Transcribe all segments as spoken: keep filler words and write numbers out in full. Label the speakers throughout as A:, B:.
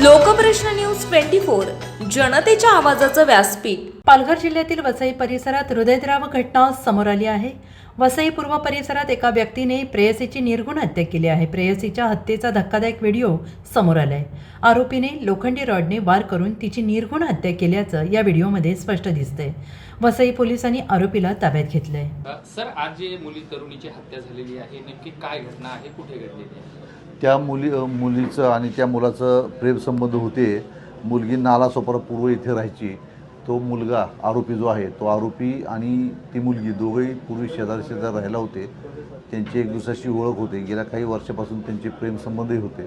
A: लोकप्रश्न news twenty four जनतेच्या आवाजाचं व्यासपीठ।
B: पालघर जिल्ह्यातील वसई परिसरात हृदयद्रावक घटना समोर आली आहे। वसई पूर्व परिसरात एका व्यक्तीने प्रेयसीची निर्घृण हत्या केली आहे। प्रेयसीच्या हत्येचा धक्कादायक व्हिडिओ समोर आलाय। आरोपीने लोखंडी रॉडने वार करून तिची निर्घृण हत्या केल्याचं या व्हिडिओमध्ये स्पष्ट दिसतंय। वसई पोलिसांनी आरोपीला ताब्यात घेतलंय।
C: सर, आज जे मुली तरुणीची हत्या झालेली आहे, नेमकी काय घटना आहे, कुठे घडलेली आहे?
D: त्या मुली मुलीचं आणि त्या मुलाचं प्रेमसंबंध होते। मुलगी नालासोपारा पूर्व इथे राहायची। तो मुलगा आरोपी जो आहे तो आरोपी आणि ती मुलगी दोघेही पूर्वी शेजारी शेजारी राहायला होते। त्यांची एक दुसऱ्याशी ओळख होते। गेल्या काही वर्षापासून त्यांचे प्रेमसंबंधही होते,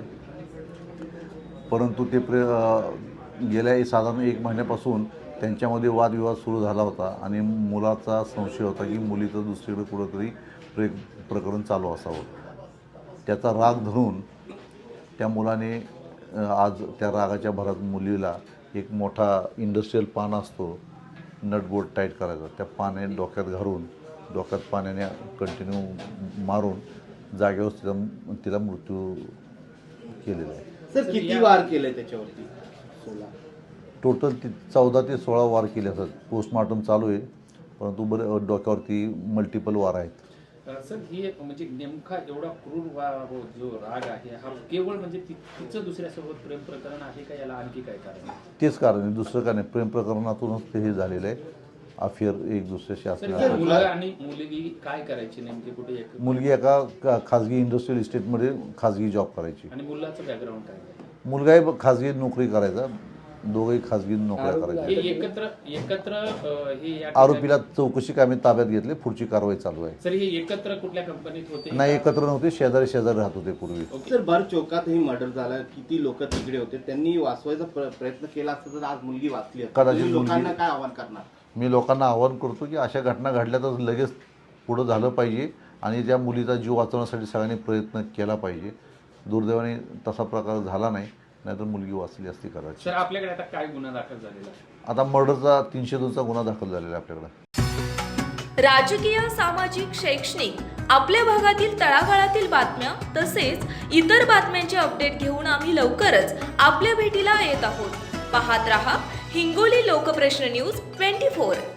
D: परंतु ते प्रे गेल्या साधारण एक महिन्यापासून त्यांच्यामध्ये वादविवाद सुरू झाला होता आणि मुलाचा संशय होता की मुलीचं दुसरीकडे कुठंतरी प्रे प्रकरण चालू असावं। त्याचा राग धरून त्या मुलाने आज त्या रागाच्या भरात मुलीला एक मोठा इंडस्ट्रियल पान असतो, नटबोल्ट टाईट करायचा, त्या पाण्याने डोक्यात घालून डोक्यात पाण्याने कंटिन्यू मारून जागेवर तिला तिला मृत्यू केलेला आहे।
E: सर, किती वार केले त्याच्यावरती? सोळा
D: टोटल ती चौदा ते सोळा वार केले असतात। पोस्टमॉर्टम चालू आहे, परंतु बरं डोक्यावरती मल्टिपल वार आहेत।
C: सर, ही एक म्हणजे नेमका एवढा क्रूर वा हो जो राग आहे हा केवळ म्हणजे तिचं दुसऱ्यासोबत प्रेम प्रकरण आहे का, याला आणखी काय कारण आहे?
D: तेच कारण आहे, दुसरं काय नाही। प्रेम प्रकरणातूनच ते हे झालेलं आहे, अफेअर एक दुसऱ्याशी असणार।
C: मुलगा आणि मुलगी काय करायची नेमकी, कुठे एक
D: मुलगी एका खाजगी इंडस्ट्रियल इस्टेटमध्ये खाजगी जॉब करायची
C: आणि मुलाचं बॅकग्राऊंड काय?
D: मुलगाही खाजगी नोकरी करायचा, दोघंही खाजगी नोकऱ्या करायच्या।
C: एकत्र एकत्र हे
D: आरोपीला चौकशी कामी ताब्यात घेतले, पुढची कारवाई चालू आहे।
C: सर, हे एकत्र कुठल्या कंपनीत होते?
D: नाही, एकत्र नव्हते, शेजारी शेजारी राहत होते पूर्वी।
E: सर, भर चौकातही मर्डर झाला, किती लोक तिकडे होते, त्यांनी वाचवायचा प्रयत्न केला असता तर आज मुलगी वाचली असती।
D: कदाचित
E: लोकांना काय आव्हान करणार?
D: मी लोकांना आवाहन करतो की अशा घटना घडल्या तर लगेच पुढं झालं पाहिजे आणि त्या मुलीचा जीव वाचवण्यासाठी सगळ्यांनी प्रयत्न केला पाहिजे। दुर्दैवाने तसा प्रकार झाला नाही, नाहीतर मुलगी वाचली असती कदाचित।
C: सर, आपल्याकडे आता काय गुन्हा दाखल झालेला आहे?
D: आता मर्डरचा तीनशे दोनचा गुन्हा दाखल झालेला आहे आपल्याकडे।
A: राजकीय, सामाजिक, शैक्षणिक आपल्या भागातील तळागाळातील बातम्या तसेच इतर बातम्यांचे अपडेट घेऊन आम्ही लवकरच आपल्या भेटीला येत आहोत। पाहत रहा हिंगोली लोकप्रश्न न्यूज ट्वेंटी फोर।